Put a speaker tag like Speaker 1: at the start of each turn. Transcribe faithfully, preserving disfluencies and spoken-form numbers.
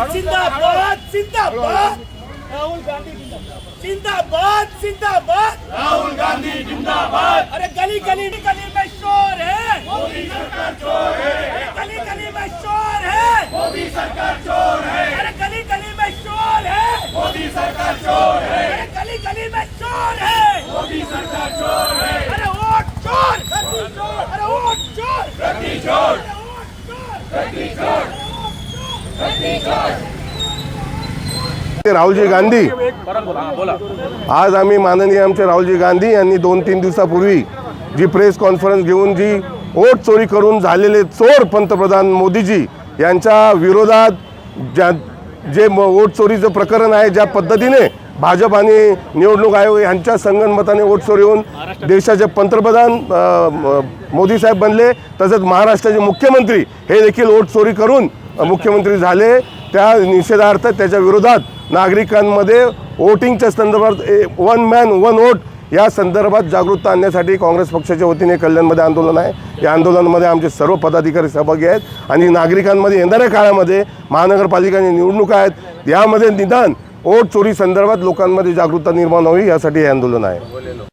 Speaker 1: जिंदाबाद जिंदाबाद राहुल गांधी जिंदाबाद जिंदाबाद राहुल गांधी जिंदाबाद। अरे गली गली गली में शोर है, मोदी सरकार चोर है। अरे गली गली में शोर है, मोदी सरकार चोर है। अरे गली गली में शोर है, मोदी सरकार चोर है। अरे गली गली में शोर है, मोदी सरकार चोर है। अरे वोट चोर, अरे वोट चोर, गद्दी चोर, गद्दी चोर, गद्दी चोर।
Speaker 2: राहुलजी गांधी, आज आम्ही माननीय आमचे राहुलजी गांधी यांनी दोन तीन दिवसापूर्वी जी प्रेस कॉन्फरन्स घेऊन जी वोट चोरी करून झालेले चोर पंतप्रधान मोदीजी यांच्या विरोधात ज्या जे वोट चोरीचं प्रकरण आहे, ज्या पद्धतीने भाजप आणि निवडणूक आयोग यांच्या संगनमताने वोट चोरी होऊन देशाचे पंतप्रधान मोदी साहेब बनले, तसंच महाराष्ट्राचे मुख्यमंत्री हे देखील वोट चोरी करून मुख्यमंत्री झाले, त्या निषेधार्थ त्याच्या विरोधात नागरिकांमध्ये वोटिंगच्या संदर्भात वन मॅन वन वोट या संदर्भात जागरूकता आणण्यासाठी काँग्रेस पक्षाच्या वतीने कल्याणमध्ये आंदोलन आहे। या आंदोलनामध्ये आमचे सर्व पदाधिकारी सहभागी आहेत आणि नागरिकांमध्ये येणाऱ्या काळामध्ये महानगरपालिकांची निवडणुका आहेत, यामध्ये निदान वोट चोरी संदर्भात लोकांमध्ये जागरूकता निर्माण व्हावी यासाठी हे आंदोलन आहे।